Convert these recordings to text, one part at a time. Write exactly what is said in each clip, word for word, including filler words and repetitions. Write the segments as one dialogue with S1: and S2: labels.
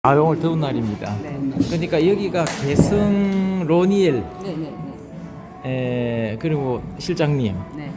S1: 아, 오늘 더운 날입니다.
S2: 네.
S1: 그러니까 여기가 개성 로니엘,
S2: 네, 네,
S1: 에, 그리고 실장님,
S2: 네.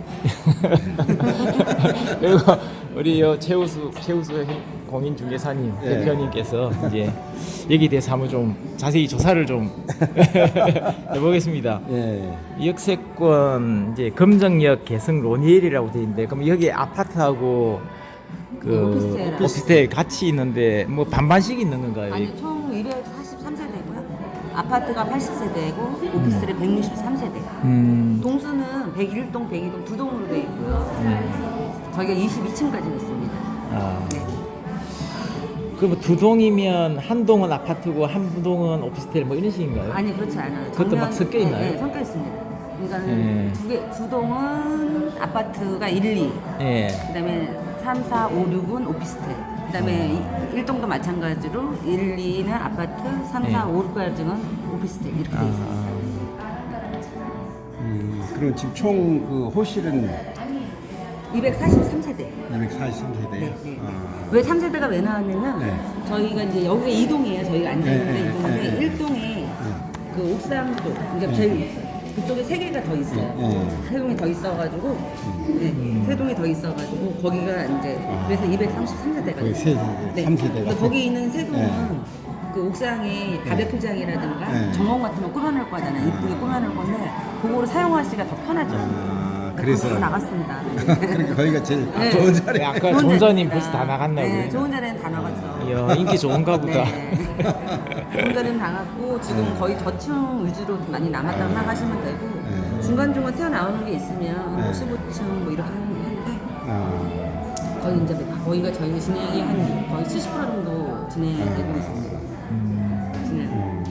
S1: 그리고 우리 요 최우수 최우수 공인중개사님
S3: 네.
S1: 대표님께서 이제 여기 대해서 한번 좀 자세히 조사를 좀 해보겠습니다.
S3: 예.
S1: 역세권 이제 금정역 개성 로니엘이라고 돼 있는데, 그럼 여기 아파트하고 그
S2: 오피스텔.
S1: 오피스텔 같이 있는데 뭐 반반씩 있는 건가요?
S2: 아니 총 이백사십삼 세대고요. 아파트가 팔십 세대고 오피스텔이 백육십삼 세대.
S1: 음.
S2: 동수는 백일 동, 백이 동 두 동으로 되어 있고요.
S1: 음.
S2: 저희가 이십이 층까지 있습니다.
S1: 아.
S2: 네.
S1: 그럼 두 동이면 한 동은 아파트고 한 동은 오피스텔 뭐 이런 식인가요?
S2: 아니 그렇지 않아요.
S1: 그것도 막 섞여 있나요?
S2: 네, 네, 섞여 있습니다. 그러니까
S1: 네.
S2: 두 개, 두 동은 아파트가 일, 이,
S1: 예.
S2: 그다음에 삼, 사, 오, 육은 오피스텔. 그다음에 일 동도 마찬가지로 일, 이는 아파트, 삼, 사,
S1: 네.
S2: 오, 육까지는 오피스텔 이렇게 되어 있습니다.
S1: 아,
S3: 음, 그럼 지금 총 그 호실은
S2: 이백사십삼 세대.
S3: 이백사십삼 세대요.
S2: 네, 네.
S3: 아,
S2: 왜 삼 세대가 왜 나왔냐면
S3: 네.
S2: 저희가 이제 여기가 이 동이에요. 저희가 앉아 있는
S3: 네,
S2: 데
S3: 네,
S2: 이동인데
S3: 네, 네.
S2: 일 동에 그 옥상 쪽, 그러니까 제일 그쪽에 세 개가 더 있어요.
S3: 네.
S2: 세 동이 더 있어가지고, 네, 세 동이 더 있어가지고 거기가 이제 그래서 이백삼십삼 세대가
S3: 거기 세 세대, 삼 세대가.
S2: 근데 거기 있는 세 동은
S3: 네.
S2: 그 옥상에 바베큐장이라든가
S3: 네.
S2: 정원 같은 거 꾸며놓을 거잖아요. 이쁘게 꾸며놓을 건데 그거를 사용하시기가 더 편하죠.
S3: 아,
S2: 그래서
S3: 그래서
S2: 나갔습니다.
S3: 그러니까 거기가 제일
S2: 네.
S3: 좋은 자리.
S1: 네, 아까
S2: 좋은
S1: 존자님
S2: 자리입니다.
S1: 벌써 다 나갔나요?
S2: 네, 좋은 자리는 다 나갔죠.
S1: 이야, 인기 좋은가 보다.
S2: 네. 좋은 자리는 나갔고 지금
S3: 네.
S2: 거의 저층 위주로 많이 남았다고 생각하시면 되고
S3: 네.
S2: 중간중간 튀어나오는 게 있으면
S3: 네.
S2: 십오 층 뭐 이렇게 하는데
S3: 아,
S2: 거의 이제 거기가 저희 진행이 한 거의 칠십 퍼센트 정도 진행되고 있습니다. 진행.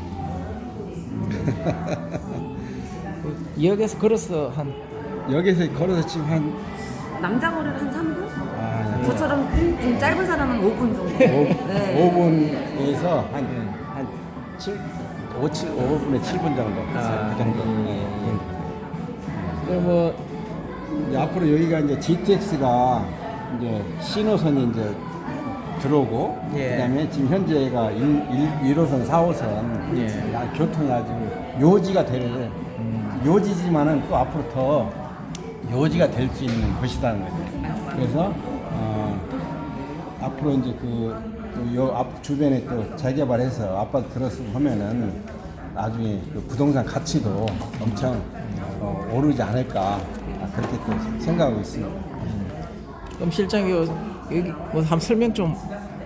S1: 여기서 걸어서 한
S3: 여기서 걸어서 지금 한
S2: 남자거리를 한 삼 분?
S3: 아, 네.
S2: 저처럼 좀 짧은 사람은 오 분 정도.
S3: 오,
S2: 네.
S3: 오 분에서 한한 칠, 오, 칠, 오 분에 칠 분 정도.
S1: 아,
S3: 그 정도.
S1: 예, 예. 그럼 뭐
S3: 이제 앞으로 여기가 이제 지티엑스가 이제 신호선이 이제 들어오고
S1: 예.
S3: 그다음에 지금 현재가 일 호선, 사 호선
S1: 예.
S3: 야, 교통이 아주 요지가 될
S1: 음.
S3: 요지지만은 또 앞으로 더 요지가 될 수 있는 곳이라는 거죠. 그래서 어, 앞으로 이제 그요앞 주변에 또 재개발해서 아파트 들었으면 하면은 나중에 그 부동산 가치도 엄청 어, 오르지 않을까 아, 그렇게 또 생각하고 있습니다.
S1: 그럼 실장이 요- 여기 뭐 한번 설명 좀.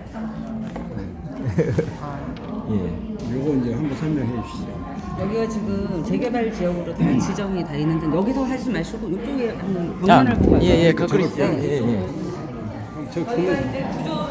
S1: 예.
S3: 요거 이제 한번 설명해 주시죠.
S2: 여기가 지금 재개발 지역으로 다 지정이 다 있는데 여기서 하지 마시고 이쪽에 한번
S1: 자,
S2: 벽면을 보고
S1: 예, 예,
S2: 가서
S1: 거꾸로
S2: 이쪽으로.
S1: 있어요. 예, 예.
S3: 저
S2: 저희가
S3: 그
S2: 이제 구조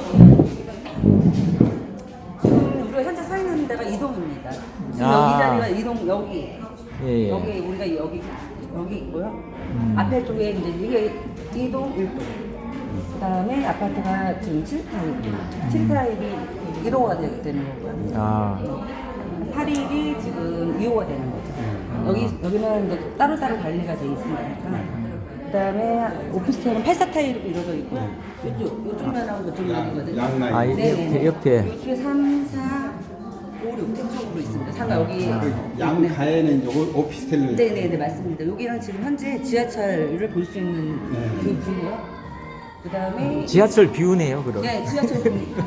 S2: 지금 우리가 현재 서 있는 데가 이동입니다. 지금
S1: 아.
S2: 여기 자리가 이동 여기
S1: 예, 예.
S2: 여기 우리가 여기 여기 있고요.
S1: 음.
S2: 앞에 쪽에 이제 이게 이동 일 동. 그다음에 아파트가 지금 칠 타입. 칠 타입이 일 호가 되- 되는 거고요.
S1: 아,
S2: 팔 일이 지금 이 호가 되는 거죠. 여기 여기는 이제 따로따로 관리가 돼 있으니까. 그다음에 오피스텔은 팔, 사 타입으로 이루어져 있고요. 이쪽 이쪽 면하고 이쪽 면이거든요.
S3: 양라인.
S1: 아,
S2: 네,
S1: 옆에, 옆에.
S2: 이쪽에 삼, 사, 오, 육 쪽으로 있습니다. 상가 여기.
S1: 아.
S3: 그 양가에는 이제 오- 오피스텔을
S2: 네, 네, 네, 맞습니다. 여기는 지금 현재 지하철을 볼 수 있는
S3: 네.
S2: 그 뷰고요. 그다음에
S1: 지하철 뷰네요, 그럼.
S2: 네, 지하철 뷰입니다.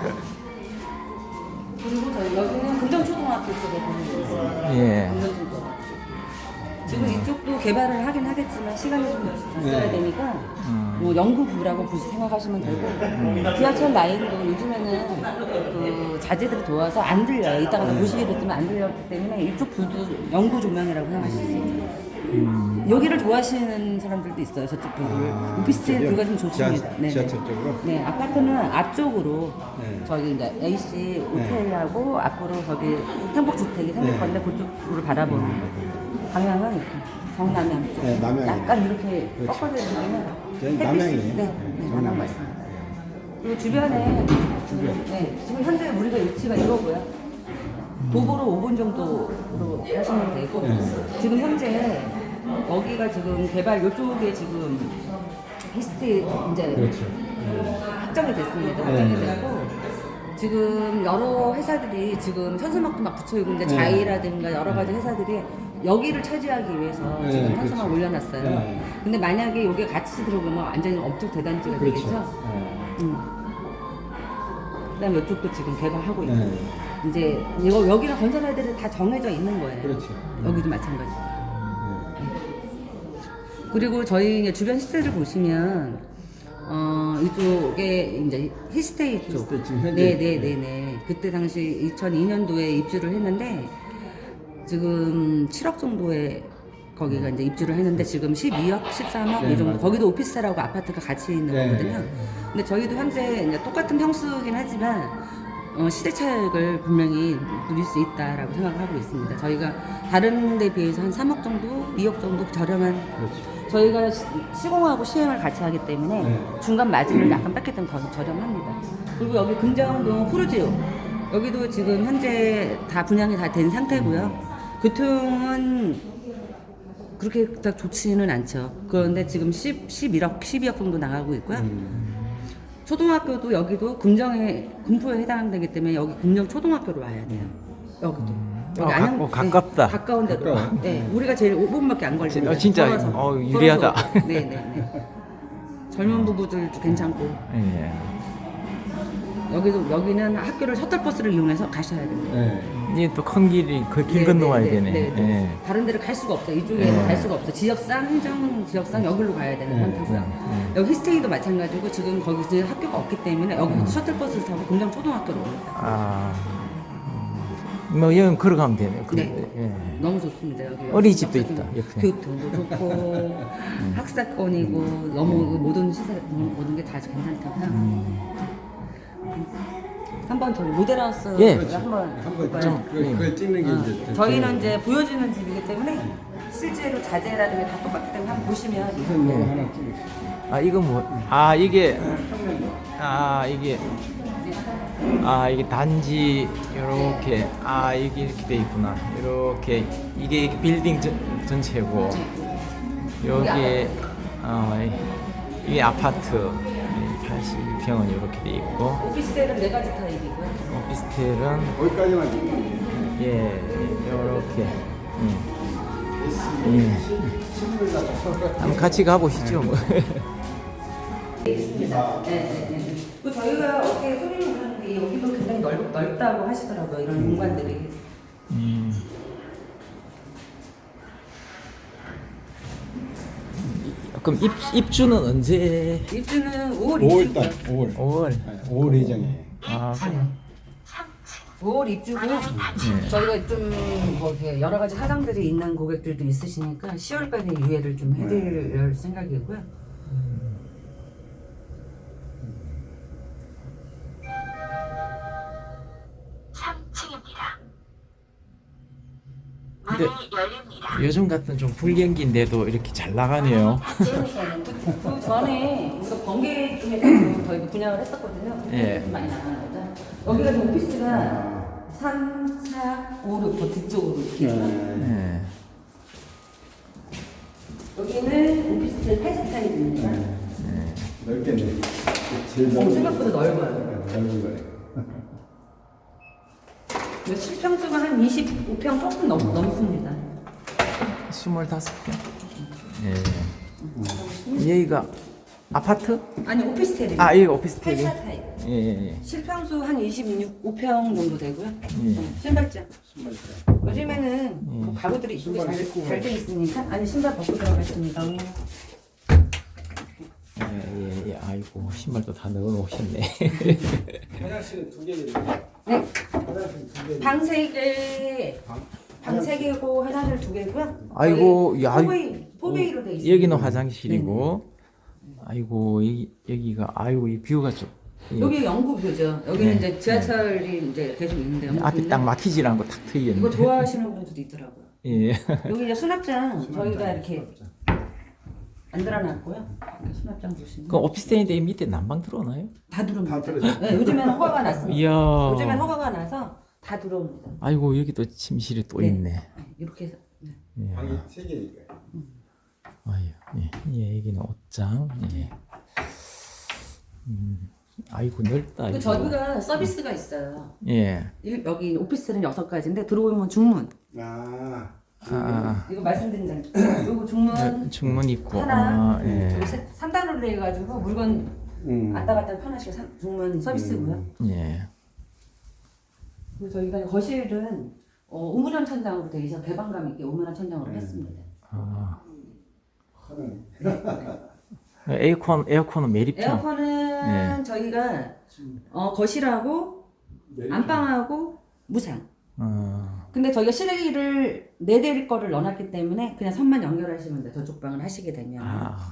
S2: 그리고 저희 여기는 금정초등학교 쪽에 보는 거 있어요.
S1: 예.
S2: 금정초등학교. 지금 이쪽도 개발을 하긴 하겠지만 시간이 좀 있어야
S3: 네.
S2: 되니까
S1: 음.
S2: 뭐 연구부라고 보시 생각하시면 되고 지하철 라인도 요즘에는 그 자재들이 도와서 안 들려요. 이따가 다 보시겠지만 안 들렸기 때문에 이쪽 뷰도 연구 조명이라고 생각하실 수 있어요.
S1: 음.
S2: 여기를 좋아하시는 사람들도 있어요. 저쪽 뷰를.
S3: 아,
S2: 오피스텔
S3: 저기요?
S2: 뷰가 좀 좋습니다.
S3: 지하-
S2: 네,
S3: 지하철
S2: 네.
S3: 쪽으로?
S2: 네, 아파트는 앞쪽으로
S3: 네.
S2: 저기 이제 A씨 호텔하고 앞으로 저기 행복주택이 생길
S3: 네.
S2: 건데 그쪽으로 바라보는 방향은 이렇게 정남향 쪽.
S3: 네, 남향이네.
S2: 약간 이렇게
S3: 그렇죠.
S2: 꺾어져 있는
S3: 저희
S2: 햇빛이-
S3: 남향이네.
S2: 네, 네,
S3: 네,
S2: 남향
S3: 정남향.
S2: 맞습니다. 그리고 주변에 지금, 네, 지금 현재 우리가 위치가 이거고요. 도보로 오 분 정도로 하시면 되고
S3: 네.
S2: 지금 현재 여기가 지금 개발 이쪽에 지금 히스트 이제
S3: 그렇죠.
S2: 확정이 됐습니다.
S3: 네.
S2: 확정이 됐고 지금 여러 회사들이 지금 현수막도 막 붙여있고 있는데
S3: 네.
S2: 자이라든가 여러 가지 회사들이 여기를 차지하기 위해서
S3: 네,
S2: 지금
S3: 그렇죠.
S2: 현수막 올려놨어요.
S3: 네.
S2: 근데 만약에 여기 같이 들어오면 완전히 업종 대단지가
S3: 그렇죠.
S2: 되겠죠.
S3: 네.
S2: 음. 그다음에 이쪽도 지금 개발하고 있고
S3: 네.
S2: 이제 이거 여기는 건설 애들이 다 정해져 있는 거예요.
S3: 그렇죠.
S2: 여기도 마찬가지. 그리고 저희 이제 주변 시세를 보시면 어 이쪽에 이제 히스테이 쪽.
S3: 히스테이 지금 현재-
S2: 네네네네. 그때 당시 이천이 년도에 입주를 했는데 지금 칠억 정도에 거기가 이제 입주를 했는데 지금 십이억, 십삼억
S3: 네,
S2: 이 정도.
S3: 맞아요.
S2: 거기도 오피스텔하고 아파트가 같이 있는
S3: 네.
S2: 거거든요. 근데 저희도 현재 이제 똑같은 평수긴 하지만 어, 시대 차익을 분명히 누릴 수 있다라고 생각을 하고 있습니다. 저희가 다른 데 비해서 한 삼억 정도, 이억 정도 저렴한
S3: 그렇죠.
S2: 저희가 시, 시공하고 시행을 같이 하기 때문에
S3: 네.
S2: 중간 마진을 약간 뺐기 때문에 더 저렴합니다. 그리고 여기 금정동 푸르지오 여기도 지금 현재 다 분양이 다 된 상태고요. 교통은 그렇게 딱 좋지는 않죠. 그런데 지금 십, 십일억, 십이억 정도 나가고 있고요.
S3: 음.
S2: 초등학교도 여기도 금정에 금포에 해당되기 때문에 여기 금정 초등학교로 와야 돼요. 여기도. 여기
S1: 어,
S2: 안양-
S1: 가- 어, 가깝다.
S2: 네, 가까운 데로.
S3: 가까워.
S2: 네, 우리가 제일 오 분밖에 안 걸립니다.
S1: 어, 진짜,
S2: 걸어서.
S1: 어, 유리하다.
S2: 걸어서. 네, 네, 네. 젊은 부부들도 괜찮고
S1: 예.
S2: 여기도 여기는 학교를 셔틀버스를 이용해서 가셔야 돼요.
S3: 네.
S1: 이게 또 큰 길이 그 길
S2: 네,
S1: 건너와야
S2: 네,
S1: 되네.
S2: 네, 네.
S1: 예.
S2: 다른 데를 갈 수가 없어요. 이쪽에는
S1: 네.
S2: 갈 수가 없어. 지역상 행정 지역상 여기로 가야 되는
S3: 네,
S2: 상태고요.
S1: 네.
S2: 여기 히스테이도 마찬가지고 지금 거기 이제 학교가 없기 때문에 여기 셔틀버스를 타고 금정 초등학교로 옵니다.
S1: 아, 음, 뭐 여기 걸어가면 되네요.
S2: 네.
S1: 그런데, 예.
S2: 너무 좋습니다. 여기
S1: 어린이집도
S2: 여기
S1: 있다, 옆에.
S2: 교통도 좋고 학사권이고 너무 모든 시설 모든 게 다 괜찮다고요.
S1: 음.
S2: 한번 저희 모델하우스
S1: 예.
S2: 한번
S3: 한번
S2: 볼까요?
S3: 좀 그, 그걸 찍는 게
S2: 어,
S3: 이제
S2: 저희는 이제 보여주는 집이기 때문에 실제로 자재라든가 다 똑같기 때문에 한번 보시면
S3: 우선 이거 하나 찍을게요.
S1: 아 이거 뭐? 아 이게 아 이게 아 이게 단지 이렇게 아 이게 이렇게 돼 있구나. 이렇게 이게 이렇게 빌딩 전, 전체고 여기 아 이게 아파트 팔십일 평은 이렇게 돼 있고
S2: 오피스텔은 네 가지 타입이고요.
S1: 오피스텔은
S3: 거기까지만 찍을게요.
S1: 예 이렇게 예. 예. 한번 같이 가보시죠 뭐.
S2: 있습니다. 네, 네, 네. 그 저희가 어떻게 소리를 듣는데 여기도 굉장히 넓, 넓다고 하시더라고요. 이런 공간들이.
S1: 음. 그럼 입, 입주는 언제?
S2: 입주는 오월
S3: 오월
S2: 입주고요.
S3: 달, 오월.
S1: 오월.
S3: 네, 오월 예정이에요.
S1: 아, 그래.
S2: 오월 입주고요. 저희가 좀뭐 이렇게 여러 가지 사장들이 있는 고객들도 있으시니까 시월까지 유예를 좀 해드릴 생각이고요.
S4: 삼 층입니다.
S1: 근데
S4: 문이 열립니다.
S1: 요즘 같은 좀 불경기인데도 이렇게 잘 나가네요.
S2: 그 전에 우리가 번개 중에서 저희가 분양을 했었거든요.
S1: 예.
S2: 좀 많이 나가는 거죠. 여기가 지금 오피스가 삼, 사, 오, 육 더 뒤쪽으로 이렇게 있어요.
S1: 예.
S2: 여기는 오피스텔 팔십 타입입니다.
S3: 넓겠네. 제일
S2: 어,
S3: 넓은
S2: 생각보다 넓어요.
S3: 네, 넓은 거예요.
S2: 실평수가 한 이십오 평 조금 넘, 넘습니다.
S1: 스물다섯 평. 예. 여기가 아파트?
S2: 아니 오피스텔입니다.
S1: 아, 여기가 오피스텔이?
S2: 팔 사 타입.
S1: 예, 예, 예.
S2: 실평수 한 이십오 평 정도 되고요.
S1: 예.
S2: 신발장.
S3: 신발장.
S2: 요즘에는
S1: 예.
S2: 뭐 가구들이 이쁘게
S3: 신발 신고
S2: 잘돼 있으니까 아니 신발 벗고 들어가겠습니다.
S1: 예, 예, 예. 아이고, 신발도 다 넣어 놓으셨네.
S3: 화장실은 두 개거든요.
S2: 네.
S3: 화장실 두 개.
S2: 방 세 개. 방 세 개고 화장실 두 개고요.
S1: 아이고, 야,
S2: 포베이 포베이로 돼 있어요.
S1: 여기는 화장실이고, 아이고, 여기, 여기가, 아이고, 이 뷰가 좀. 예.
S2: 여기 영구뷰죠. 여기는
S1: 네.
S2: 이제 지하철이 이제 계속 있는데
S1: 앞이
S2: 영구뷰인데
S1: 딱 막히질 않고 탁 트이겠네.
S2: 이거 좋아하시는 분들도 있더라고요.
S1: 예.
S2: 여기 이제 수납장 저희가 이렇게 만들어놨고요. 이렇게 수납장 보시면
S1: 그 오피스텔인데 이 밑에 난방 들어오나요?
S2: 다 들어옵니다.
S3: 다 들어오죠.
S2: 네, 요즘에는 허가가 났습니다.
S1: 이야.
S2: 요즘엔 허가가 나서 다 들어옵니다.
S1: 아이고, 여기 또 침실이 또
S2: 네.
S1: 있네.
S2: 네, 이렇게 해서 네.
S1: 예.
S3: 방이 세 개니까요.
S1: 아유, 예. 예, 여기는 옷장. 예. 음. 아이고 넓다.
S2: 그
S1: 이거.
S2: 저희가 서비스가 있어요.
S1: 예.
S2: 일- 여기 오피스텔은 여섯 가지인데 들어오면 중문.
S3: 아,
S1: 아,
S2: 이거 말씀드린 장. 요거 중문
S1: 아. 충분 있고.
S2: 하나.
S1: 아, 예.
S2: 저기 세- 삼 단으로 해가지고 물건
S3: 음.
S2: 왔다 갔다 편하시게 상- 중문 서비스고요.
S1: 예.
S2: 그리고 저희가 거실은 어, 우물형 천장으로 되어 있어 개방감 있게 우물형 천장으로 했습니다.
S1: 아.
S3: 하는.
S1: 에어컨 에어컨은 매립형.
S2: 에어컨은
S1: 예.
S2: 저희가 어, 거실하고 안방하고 무상.
S1: 어.
S2: 근데 저희가 실외기를 네 대일 거를 넣어놨기 때문에 그냥 선만 연결하시면 돼. 저쪽 방을 하시게 되면.
S1: 아.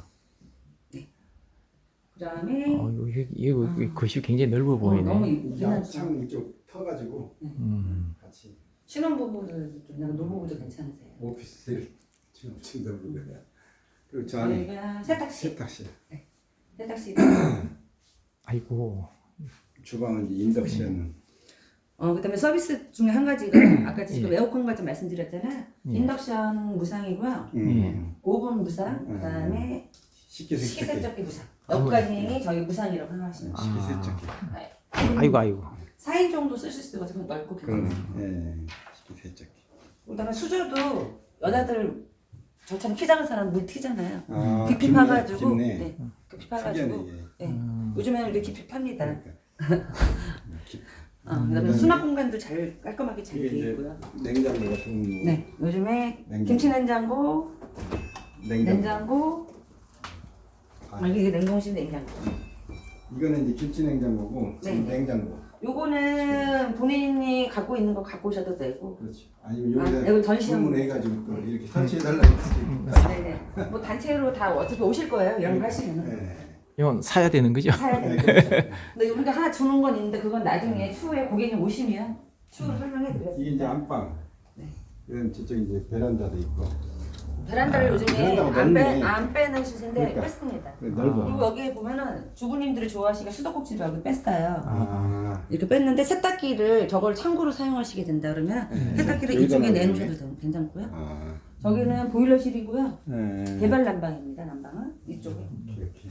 S2: 그다음에
S1: 어, 이거 이거 이거 거실 굉장히 넓어
S2: 어,
S1: 보이네.
S2: 너무 이쁘긴 하죠.
S3: 창 이쪽 터가지고
S1: 음.
S3: 같이
S2: 신혼부부들 좀 약간 노부부도 괜찮으세요?
S3: 오피스텔 지금 엄청 넓은 거야. 그리고 저 안에
S2: 저희가 세탁실,
S3: 세탁실,
S2: 세탁실.
S1: 아이고.
S3: 주방은 이제 인덕션.
S2: 어 그다음에 서비스 중에 한 가지가 아까 지금 에어컨과 좀 말씀드렸잖아.
S1: 예.
S2: 인덕션 무상이고요.
S3: 음.
S2: 오븐 무상. 그다음에
S3: 식기세척기.
S2: 식기세척기 무상. 여기까지 저희 무상이라고 생각하시면 돼요.
S3: 식기세척기.
S1: 아이고 아이고.
S2: 사 인 정도 쓰실 수 있어서 넓고
S3: 그러네.
S2: 괜찮아요.
S3: 예. 식기세척기.
S2: 그다음에 수조도 여자들 저처럼 키 작은 사람 물 튀잖아요.
S3: 아,
S2: 깊이
S3: 깊네,
S2: 파가지고,
S3: 깊네.
S2: 네, 깊이 파가지고,
S3: 특이하네, 이게.
S2: 네. 요즘에는 이렇게 깊이 팝니다.
S3: 그러니까. 깊-
S2: 어, 그다음에 수납 공간도 잘 깔끔하게 잘
S3: 이게
S2: 되어
S3: 이제
S2: 있고요.
S3: 냉장고 같은 거.
S2: 네, 요즘에
S3: 냉장고.
S2: 김치 냉장고,
S3: 냉장고.
S2: 냉장고,
S3: 아.
S2: 아, 이게 냉동실 냉장고.
S3: 이거는 이제 김치 냉장고고
S2: 네.
S3: 냉장고.
S2: 요거는 본인이 갖고 있는 거 갖고 오셔도 되고.
S3: 그렇지. 아니면
S2: 아,
S3: 여기다
S2: 이건 전시용.
S3: 주문해가지고 또 이렇게 설치해달라고 할 수도 있고.
S2: 네네. 뭐 단체로 다 어차피 오실 거예요. 이런 거 하시면
S3: 네.
S1: 이건 사야 되는 거죠?
S2: 사야
S3: 네,
S2: 돼요.
S3: 그렇죠.
S2: 근데 우리가 하나 주는 건 있는데 그건 나중에 추후에 고객님 오시면 추후로 설명해
S3: 이게 이제
S2: 드리겠습니다.
S3: 안방.
S2: 네.
S3: 이런 저쪽 이제 베란다도 있고.
S2: 베란다를 요즘에
S3: 베란다가
S2: 안, 빼,
S3: 넓네.
S2: 안 빼는 시세인데
S3: 그러니까.
S2: 뺐습니다.
S3: 그래, 넓어.
S2: 그리고 여기에 보면은 주부님들이 좋아하시니까 수도꼭지도 여기 뺐어요.
S3: 아.
S2: 이렇게 뺐는데 세탁기를 저걸 창고로 사용하시게 된다 그러면 세탁기를
S3: 네. 여기다
S2: 이쪽에
S3: 놔두네.
S2: 내놓으셔도 되- 괜찮고요.
S3: 아.
S2: 저기는 보일러실이고요.
S3: 네.
S2: 개발 난방입니다. 난방은 이쪽에.
S3: 이렇게.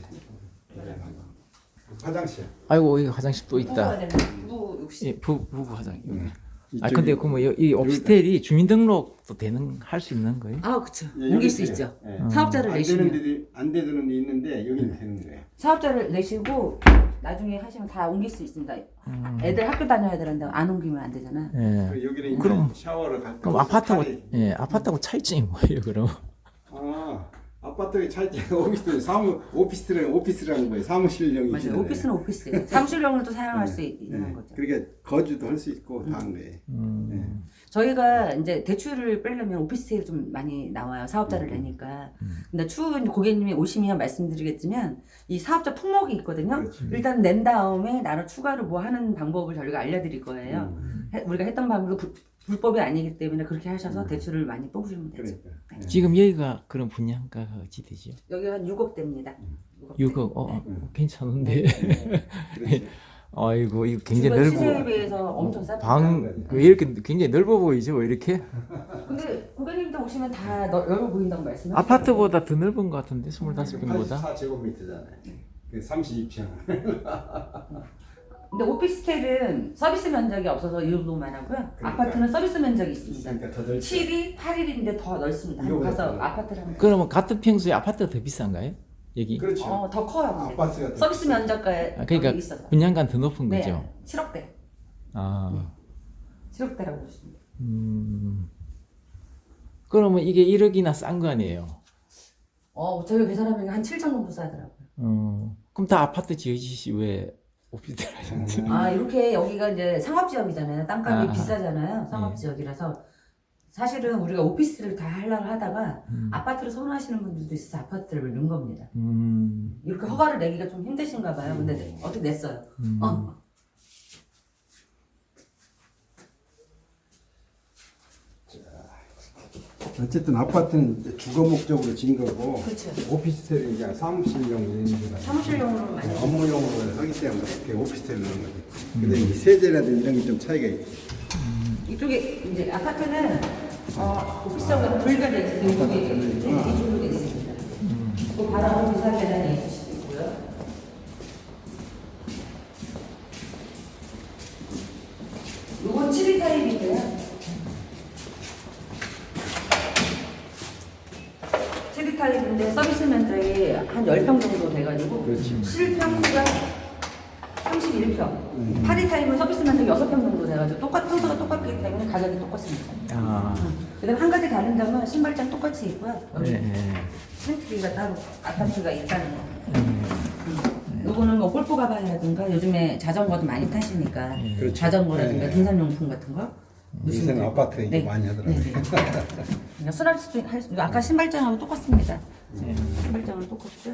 S3: 화장실.
S1: 아이고 여기 화장실 또
S2: 부부가
S1: 있다.
S2: 되는 부부 욕실.
S1: 예, 부 부부 화장.
S3: 음.
S1: 아
S3: 이쪽이-
S1: 근데 그뭐 이 오피스텔이 주민등록도 되는 할 수 있는 거예요?
S2: 아 그렇죠.
S3: 예,
S2: 옮길
S3: 여기
S2: 수
S3: 있어요.
S2: 있죠.
S3: 예.
S2: 사업자를
S3: 안
S2: 내시면.
S3: 되는 데도 안 되는 데 있는데 여기는 되는 거예요.
S2: 사업자를 내시고 나중에 하시면 다 옮길 수 있습니다.
S1: 음.
S2: 애들 학교 다녀야 되는데 안 옮기면 안 되잖아.
S1: 예.
S3: 그리고 여기는 이제
S1: 그럼-
S3: 샤워를 갈
S1: 그럼
S3: 거
S1: 아파트하고
S3: 스타일이-
S1: 예 아파트하고 차이점이 뭐예요 그럼?
S3: 아 아파트의 차이점 오피스텔 사무 오피스텔은 오피스라는 거예요. 사무실형이
S2: 맞아요. 오피스는 오피스. 사무실용으로 또 사용할 수 있- 있는 거죠.
S3: 그러니까 거주도 할 수 있고 다 한 거예요.
S1: 음.
S2: 저희가 이제 대출을 빼려면 오피스텔이 좀 많이 나와요. 사업자를 내니까. 근데 추후 이제 고객님이 오시면 말씀드리겠지만 이 사업자 품목이 있거든요.
S3: 그렇지.
S2: 일단 낸 다음에 나로 추가로 뭐 하는 방법을 저희가 알려드릴 거예요.
S3: 음.
S2: 해- 우리가 했던 방법도 불, 불법이 아니기 때문에 그렇게 하셔서 대출을 많이 뽑으시면 되죠.
S3: 그러니까. 예.
S1: 지금 여기가 그런 분양가가 어찌 되죠?
S2: 여기 한 육억 대입니다.
S1: 육억 어 괜찮은데.
S3: 그렇지.
S1: 아이고 이거 굉장히
S2: 주변 시세에
S1: 넓어.
S2: 비해서 엄청 쌉니다.
S1: 방 그 이렇게 굉장히 넓어 보이죠 이렇게?
S2: 근데 고객님도 오시면 다 너- 넓어 보인다고 말씀하시죠.
S1: 아파트보다 더 넓은 것 같은데 스물다섯 평보다.
S3: 팔십사 제곱미터잖아요. 그 삼십이 평.
S2: 근데 오피스텔은 서비스 면적이 없어서 이 정도만 하고요.
S3: 그러니까.
S2: 아파트는 서비스 면적이 있습니다.
S3: 그러니까 더 넓죠.
S2: 칠이 팔 일인데 더 넓습니다. 한번
S3: 이거보다
S2: 가서
S3: 더 넓-
S2: 아파트를 한번.
S1: 그러면 같은 평수에 아파트가 더 비싼가요? 여기?
S3: 그렇죠.
S2: 어, 더 커요. 근데.
S3: 아파트가 더
S2: 서비스
S3: 비싸요.
S2: 면적가에
S1: 아, 그러니까
S2: 여기 있어서.
S1: 분양가는 더 높은
S2: 네,
S1: 거죠.
S2: 칠억대.
S1: 아,
S2: 칠억대라고 보시면 돼요.
S1: 음. 그러면 이게 일억이나 싼 거 아니에요?
S2: 어, 저희가 계산하면 한 칠천 정도 싸더라고요.
S1: 어, 그럼 다 아파트 지어지시 왜 오피스텔 하셨는지?
S2: 아, 이렇게 여기가 이제 상업지역이잖아요. 땅값이
S1: 아,
S2: 비싸잖아요. 상업지역이라서. 사실은 우리가 오피스를 다 하려고 하다가
S1: 음.
S2: 아파트를 선호하시는 분들도 있어서 아파트를 넣은 겁니다.
S1: 음,
S2: 이렇게 허가를 내기가 좀 힘드신가 봐요. 근데 어떻게 냈어요?
S1: 음.
S2: 어.
S3: 어쨌든 아파트는 이제 주거 목적으로 진 거고
S2: 그렇죠.
S3: 오피스텔은 이제 사무실용 이런 데가
S2: 사무실용으로 많이.
S3: 업무용으로 하기 때문에 그게 오피스텔을 넣는 거지. 근데 이 세제라든지 이런 게 좀 차이가 있고.
S2: 이쪽에 이제 아파트는 어, 오피스하고 분리가 돼 있어서 이쪽에 이쪽으로 돼 있습니다. 그 바로 비상 계단이 있을 수도 있고요. 타입인데요. 체리 타입인데 서비스 면적이 한 십 평 정도 돼가지고
S3: 그렇지.
S2: 실평수가 삼십일 평. 파리 타입은 서비스 면적이 여섯 평 정도 돼가지고 똑같, 평수가 똑같기 때문에 가격이 똑같습니다.
S1: 아,
S2: 그다음 한 가지 다른 점은 신발장 똑같이 있고요. 여기
S1: 네.
S2: 스위트리가 따로 아파트가 있다는 거. 음. 요거는 뭐 골프 가방이라든가 요즘에 자전거도 많이 타시니까
S3: 그렇죠.
S2: 자전거라든가
S3: 네.
S2: 등산용품 같은 거.
S3: 요새는
S2: 놓으시면
S3: 아파트에 이제
S2: 네.
S3: 많이 하더라고요.
S2: 네, 네. 그냥 술할 수도 할 수. 아까 신발장하고 똑같습니다. 네. 신발장은 똑같고요.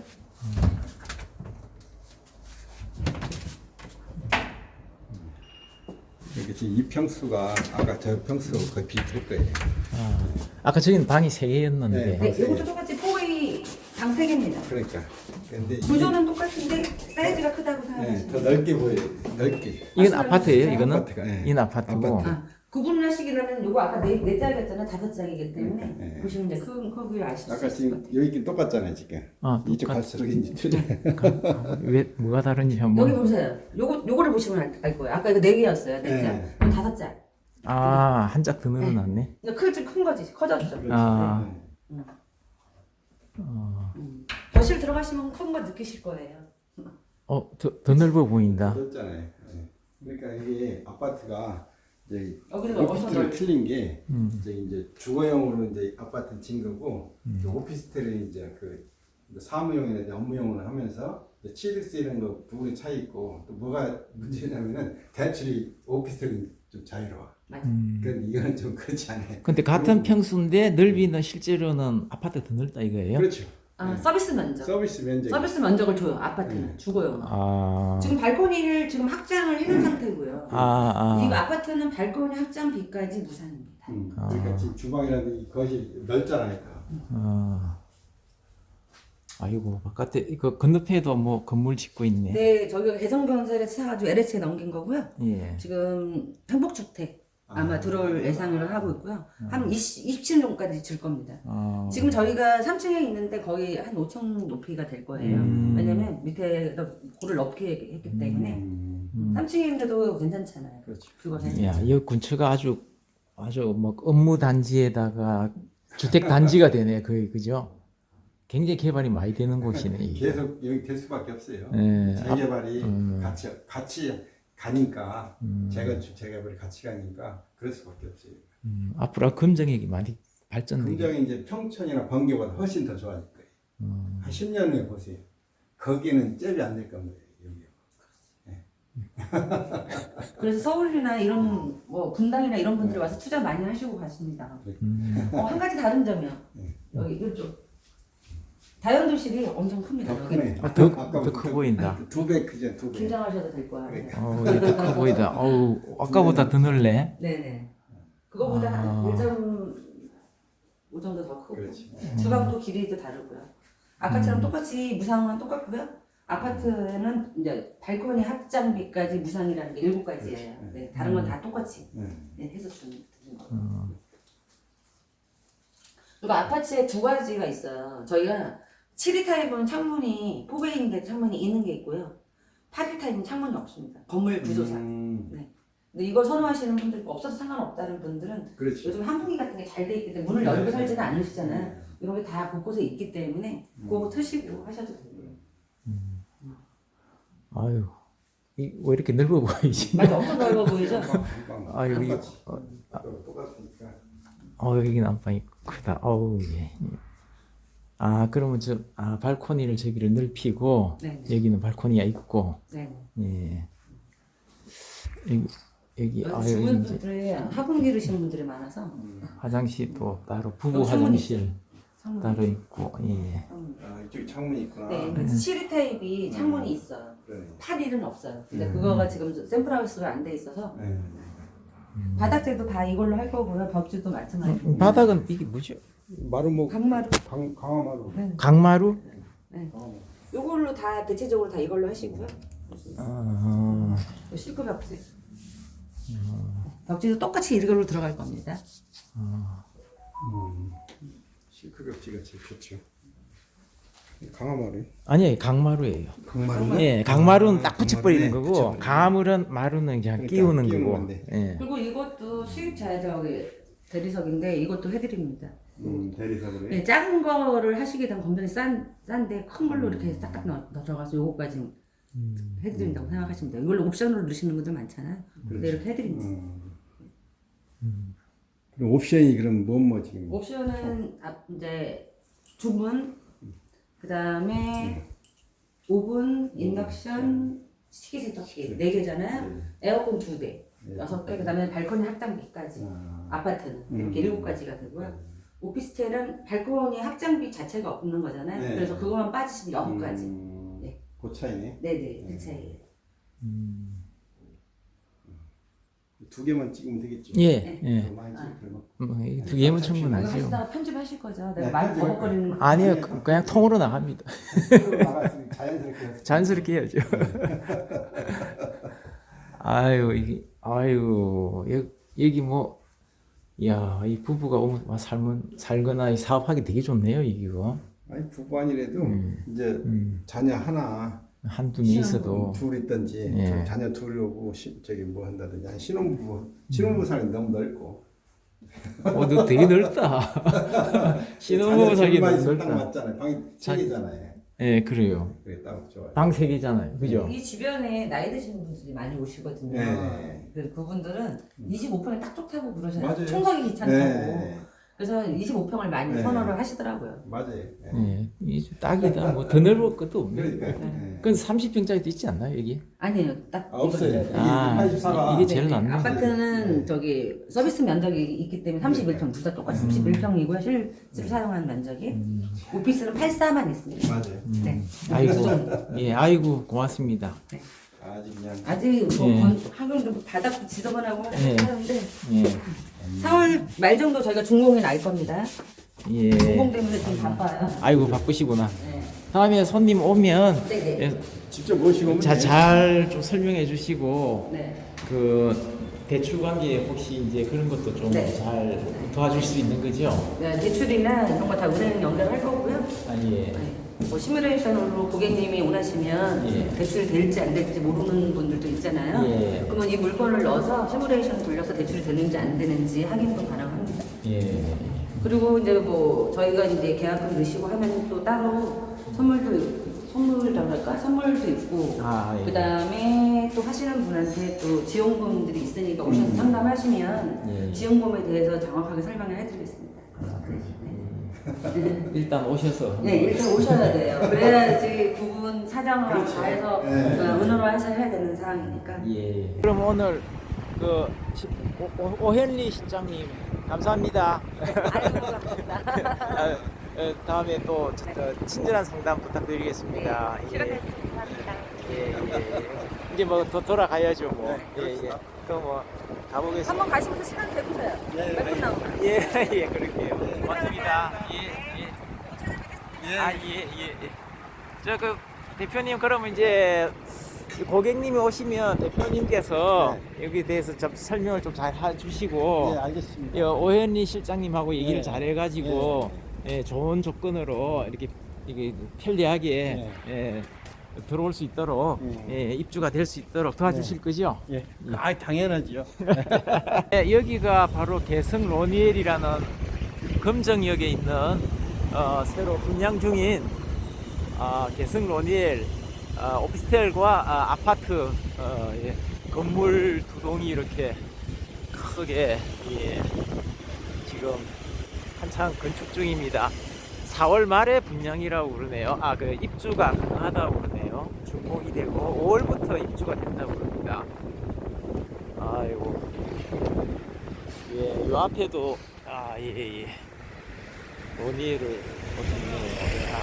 S3: 이게 지금 이 평수가 아까 저 평수 거의 비슷할 거예요.
S1: 아, 아까 저기는 방이 세 개였는데.
S3: 네.
S2: 네, 이것도 똑같이 포웨이 방 세 개입니다.
S3: 그러니까. 근데 이게
S2: 구조는 똑같은데 사이즈가 크다고
S3: 네,
S2: 생각하시면
S3: 더
S2: 돼요.
S3: 넓게 보여요. 넓게.
S1: 이건 아파트예요, 이거는?
S3: 아파트가, 네.
S1: 이건 아파트고.
S3: 아파트.
S2: 아, 구분하시기로는 요거 아까 네, 네 짝이었잖아요. 다섯 짝이기 때문에
S3: 네.
S2: 보시면 이제 큰 크기를 아실 수
S3: 아까
S2: 있을 것
S3: 지금
S2: 같아요.
S3: 여기 똑같잖아요 지금.
S1: 어,
S3: 이쪽
S1: 똑같-
S3: 갈수록 이제 틀려.
S1: 왜 뭐가 다른지 한번.
S2: 여기 보세요. 요거 요거를 보시면 알, 알 거예요. 아까 이거 네 개였어요. 네 짝.
S3: 네.
S2: 이건 다섯 짝.
S1: 아, 한 짝 더 늘어났네.
S2: 이거 클, 큰 거지. 커졌죠.
S1: 아.
S3: 네.
S2: 음. 거실 들어가시면 큰 거 느끼실 거예요.
S1: 어, 더, 더 넓어 보인다.
S3: 그렇잖아요. 네. 그러니까 이게 아파트가 이제
S2: 여기는 어디서
S3: 오피스텔을
S2: 넓-
S3: 틀린 게
S1: 음.
S3: 이제 이제 주거용으로 이제 아파트 진 거고 이제 오피스텔은 이제 그 사무용이나 이제 업무용으로 하면서 취득세 이런 거 부분이 차이 있고 또 뭐가 문제냐면은 대출이 오피스텔은 좀 자유로워.
S2: 맞아.
S1: 음.
S3: 그런데 이거는 좀 그렇지 않아요.
S1: 근데 같은 평수인데 넓이는 실제로는 아파트 더 넓다 이거예요?
S3: 그렇죠.
S2: 아,
S3: 네.
S2: 서비스 면적.
S3: 서비스 면적.
S2: 서비스 면적을 줘요. 아파트는
S3: 네.
S2: 주거용.
S1: 아.
S2: 지금 발코니를 지금 확장을 해놓은 상태고요.
S1: 아,
S2: 이
S1: 아.
S2: 아파트는 발코니 확장비까지 무상입니다.
S3: 음,
S1: 아.
S3: 그러니까 지금 주방이라든지 거실 넓잖아요. 다.
S1: 아. 아이고, 바깥에 이거 건너편에도 뭐 건물 짓고 있네.
S2: 네, 저희가 개성건설에서 사가지고 엘에이치에 넘긴 거고요.
S1: 예.
S2: 지금 행복주택 아마
S3: 아.
S2: 들어올 예상을 하고 있고요. 한 이십, 이십칠 년까지 질 겁니다.
S1: 아.
S2: 지금 저희가 삼 층에 있는데 거의 한 오 층 높이가 될 거예요.
S1: 음.
S2: 왜냐면 밑에 고를 높게 했기 때문에
S3: 음,
S1: 음.
S2: 삼 층인데도 괜찮잖아요.
S3: 그렇죠.
S2: 주거
S1: 야, 이 근처가 아주 아주 뭐 업무 단지에다가 주택 단지가 되네. 거의 그죠? 굉장히 개발이 많이 되는 곳이네. 이게.
S3: 계속 여기 될 수밖에 없어요.
S1: 네.
S3: 재개발이
S1: 음.
S3: 같이 같이 가니까
S1: 음.
S3: 재건축 재개발이 같이 가니까 그럴 수밖에 없어요.
S1: 음, 앞으로 금정역이 많이 발전되게.
S3: 굉장히 이제 평촌이나 번개보다 훨씬 더 좋아질 거예요.
S1: 음.
S3: 한 십 년 후에 보세요. 거기는 잽이 안 될 겁니다. 여기.
S2: 그래서 서울이나 이런 뭐 분당이나 이런 분들이 와서 투자 많이 하시고 가십니다.
S1: 음.
S2: 어, 한 가지 다른 점이요.
S3: 네.
S2: 여기 이쪽 다연도실이 엄청 큽니다.
S3: 더
S2: 여기
S3: 크네.
S1: 아, 더-
S3: 아까부터
S1: 더 커 보인다.
S3: 두 배 크죠, 두 배.
S2: 긴장하셔도 될 거야.
S3: 그러니까.
S1: 어우, 이게 더 커 보이다. 어우, 아까보다 더 넓네.
S2: 네네. 그거보다
S1: 아.
S2: 한 일 점 오 정도 더 크고
S3: 그렇지.
S2: 주방도 길이도 다르고요. 아까처럼
S1: 음.
S2: 똑같이 무상은 똑같고요. 아파트는 이제 발코니 확장비까지 무상이라는 게 일곱 가지예요.
S3: 그렇지.
S2: 네, 다른 건 다 똑같이
S3: 네.
S2: 네, 해서 주는 거.
S1: 음.
S2: 그리고 아파트에 두 가지가 있어요. 저희가 칠 위 타입은 창문이 포베이인데 창문이 있는 게 있고요. 팔 위 타입은 창문이 없습니다. 건물 구조상.
S3: 음,
S2: 네. 근데 이걸 선호하시는 분들, 없어서 상관없다는 분들은
S3: 그렇지.
S2: 요즘 한풍기 같은 게 잘 돼 있기 때문에 문을 열고 살지는 않으시잖아요. 이런 게 다 곳곳에 있기 때문에 그거 트시고 하셔도 돼요.
S1: 아유, 이, 왜 이렇게 넓어 보이지?
S2: 맞아, 엄청 넓어 보이죠?
S3: 금방
S1: 아, 여기-
S3: 똑같이.
S1: 어,
S3: 또 똑같으니까.
S1: 어, 여기는 안방이 크다. 어우, 예. 아, 그러면 저, 아, 발코니를 저기를 넓히고,
S2: 네.
S1: 여기는 발코니가 있고,
S2: 네.
S1: 예. 여기, 여기, 아,
S2: 여기
S1: 여기
S2: 주변
S1: 이제
S2: 분들이 화분 기르시는 분들이 많아서
S1: 화장실도 따로, 부부
S2: 여기 창문이
S1: 화장실
S2: 창문.
S1: 따로 있고, 예.
S2: 창문.
S3: 아, 이쪽에 창문이 있구나.
S2: 네, 그래서 칠 위 타입이 창문이 있어요.
S3: 그러네.
S2: 팔 위는 없어요. 근데
S3: 음.
S2: 그거가 지금 샘플하우스가 안 돼 있어서
S3: 네.
S2: 바닥재도 다 이걸로 할 거고요. 벽지도 마찬가지고.
S1: 음, 바닥은 이게 뭐죠?
S3: 마루목
S2: 강마루.
S3: 강 강화마루.
S2: 네.
S1: 강마루?
S2: 네.
S3: 강화마루.
S2: 요걸로 다 대체적으로 다 이걸로 하시고요.
S1: 아,
S2: 요 실크 벽지. 벽지도 똑같이 이걸로 들어갈 겁니다.
S3: 음. 실크 벽지가 제일 좋죠. 강화마루.
S1: 아니 강마루예요.
S3: 강마루.
S1: 예, 강마루는 딱
S3: 아,
S1: 붙여버리는
S3: 강마루네.
S1: 거고
S3: 붙여버리는
S1: 가물은 마루는 그냥
S3: 그러니까
S1: 끼우는
S3: 끼우는
S1: 거고.
S3: 건데.
S1: 예.
S2: 그리고 이것도 수입차 저기 대리석인데 이것도 해드립니다.
S3: 음, 대리석으로.
S2: 네, 작은 거를 하시게 되면 검정이 싼, 싼데 큰 걸로 이렇게 딱딱 넣- 넣어가서 요거까지
S1: 음.
S2: 해드린다고 생각하시면 돼요. 이걸로 옵션으로 넣으시는 분들 많잖아요. 근데 이렇게 해드립니다.
S3: 음. 그럼 옵션이 그럼 뭐 뭐 지금?
S2: 옵션은 앞- 이제 주문, 그 다음에 오븐, 인덕션, 식기세척기 네 개잖아요. 에어컨 두 대, 여섯 개, 그 다음에 발코니 확장비까지.
S3: 아.
S2: 아파트는
S3: 음.
S2: 이렇게 일곱 가지가 되고요. 오피스텔은 발코니 확장비 자체가 없는 거잖아요.
S3: 네.
S2: 그래서 그거만 빠지시면 여섯 가지.
S3: 음,
S2: 네.
S3: 그 차이네.
S2: 네네, 그 차이예요.
S1: 음.
S3: 두 개만 찍으면 되겠죠.
S1: 예, 예.
S3: 더 많이 찍을 필요는 없고.
S1: 뭐, 이두 개면
S2: 이거
S1: 충분하죠.
S2: 하시다가 편집하실 거죠? 내가
S3: 네,
S2: 많이
S3: 편집할
S2: 버벅거리는 거.
S1: 아니요, 그- 그냥 통으로 나갑니다.
S3: 나갔으니 자연스럽게 해서.
S1: 자연스럽게 해야죠. 아유, 이게, 아유, 여, 여기 뭐, 야, 이 부부가 오면 와, 살면, 살거나 이 사업하기 되게 좋네요, 이거.
S3: 아니 부부 아니래도
S1: 음.
S3: 이제
S1: 음.
S3: 자녀 하나
S1: 한두 명 있어도.
S3: 둘 있든지
S1: 예.
S3: 좀 자녀 둘이 오고 시, 저기 뭐 한다든지 아니, 신혼부부 신혼부부 살이 너무 넓고
S1: 어, 너 되게 넓다. 신혼부부 살기
S3: 자녀
S1: 너무
S3: 둘만 있으면 딱
S1: 넓다.
S3: 맞잖아요. 방이 세 개잖아요.
S1: 예, 그래요.
S3: 그게 딱 좋아요.
S1: 방 세 개잖아요. 그죠?
S2: 이 주변에 나이 드신 분들이 많이 오시거든요.
S3: 네.
S2: 그래서 그분들은 이십오 평이 딱 좋다고 그러잖아요.
S3: 맞아요.
S2: 청소기 귀찮다고.
S3: 네.
S2: 그래서 이십오 평을 많이
S3: 네.
S2: 선호를 하시더라고요.
S3: 맞아요. 네.
S1: 예, 이 딱이다. 뭐 더 넓을 것도 없네.
S3: 그러니까. 네.
S1: 그건 삼십 평짜리도 있지 않나요, 여기?
S2: 아니에요. 딱
S3: 아, 없어요.
S2: 이거를.
S3: 이게
S1: 아,
S3: 팔십사가
S1: 이게 제일 낫네.
S2: 아파트는 저기 서비스 면적이 있기 때문에 삼십일 평, 둘 다 똑같이 삼십일 평이고요. 실제로 사용하는 면적이. 오피스는 팔십사만 있습니다.
S3: 맞아요.
S2: 네.
S1: 아이고, 예, 아이고, 고맙습니다.
S3: 아직 그냥
S2: 아직 뭐
S1: 예.
S2: 건- 하긴 뭐 바닥도 지저분하고
S1: 예.
S2: 하는데
S1: 예,
S2: 사월 말 정도 저희가 준공이 날 겁니다.
S1: 예.
S2: 준공 때문에 좀 바빠요.
S1: 아이고, 바쁘시구나.
S2: 네.
S1: 다음에 손님 오면,
S2: 네네.
S1: 예,
S3: 직접 모시고 오면
S1: 자,
S3: 돼요.
S1: 잘 좀 설명해 주시고,
S2: 네.
S1: 그, 대출 관계 혹시 이제 그런 것도 좀
S2: 네.
S1: 잘 도와줄 수 있는 거죠?
S2: 네, 대출이나 이런 거 다 은행 연결할 거고요.
S1: 아, 예.
S2: 네. 뭐 시뮬레이션으로 고객님이 원하시면
S1: 예.
S2: 대출이 될지 안 될지 모르는 분들도 있잖아요.
S1: 예.
S2: 그러면 이 물건을 넣어서 시뮬레이션 돌려서 대출이 되는지 안 되는지 확인도 가능합니다.
S1: 예.
S2: 그리고 이제 뭐 저희가 이제 계약금 넣으시고 하면 또 따로 선물도 있- 선물이라고 할까? 선물도 있고
S1: 아, 예.
S2: 그다음에 또 하시는 분한테 또 지원금들이 있으니까 오셔서 상담하시면
S1: 예.
S2: 지원금에 대해서 정확하게 설명을 해드리겠습니다.
S1: 일단 오셔서.
S2: 네, 일단 오셔야 돼요. 그래야지 부분 사정을 다 해서
S3: 네.
S2: 어, 은어로 해서 해야 되는 상황이니까.
S1: 예. 그럼 오늘 그 시- 오, 오, 오현리 실장님 감사합니다.
S2: 아이고, 감사합니다.
S1: 아, 어, 다음에 또 저, 저 친절한 상담 부탁드리겠습니다. 예.
S2: 감사합니다.
S1: 예, 예. 이제 뭐 더 돌아가야죠 뭐. 예, 예. 그럼 뭐 가보겠습니다.
S2: 한번 가시면서 시간 재보세요. 몇 분 나오나?
S1: 예, 예, 그럴게요. 고맙습니다. 예, 예. 아, 예, 예, 예. 저 그 대표님 그러면 이제 고객님이 오시면 대표님께서 여기에 대해서 좀 설명을 좀 잘 해주시고
S3: 네, 알겠습니다.
S1: 예, 오현리 실장님하고 얘기를
S3: 네.
S1: 잘해가지고 예, 좋은 조건으로 이렇게 이게 편리하게
S3: 네.
S1: 예, 들어올 수 있도록
S3: 네.
S1: 예, 입주가 될 수 있도록 도와주실 거죠?
S3: 예. 아, 당연하죠.
S1: 예, 여기가 바로 개성 로니엘이라는 금정역에 있는 어, 새로 분양 중인 어, 개성 로니엘 어, 오피스텔과 아, 아파트 어, 예, 건물 두 동이 이렇게 크게 예, 지금 한창 건축 중입니다. 사월 말에 분양이라고 그러네요. 아, 그 입주가 가능하다고 그러네요. 준공이 되고 오월부터 입주가 된다고 그럽니다. 아이고. 예, 요 앞에도 아, 예, 예. 논의를 보셨네요.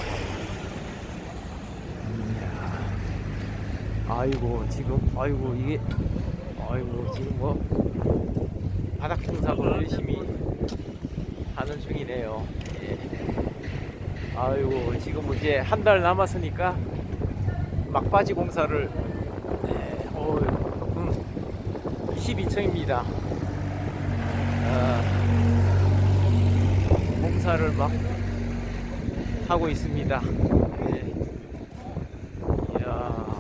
S1: 아, 아이고, 지금, 아이고, 이게, 아이고, 지금 뭐, 바닥 청소를 열심히 하는 중이네요. 예. 아이고, 지금 이제 한 달 남았으니까 막바지 공사를, 네, 어, 음, 이십이 층입니다. 아, 공사를 막 하고 있습니다. 예. 이야.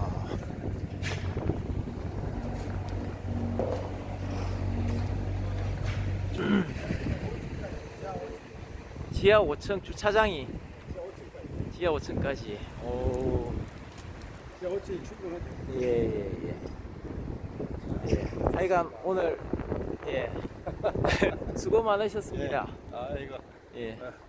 S1: 지하 오 층 주차장이 지하 오 층까지. 오.
S3: 지하 오 층이 충분하죠.
S1: 예, 예, 예. 예. 하여간 오늘 예. 수고 많으셨습니다.
S3: 아 이거
S1: 예.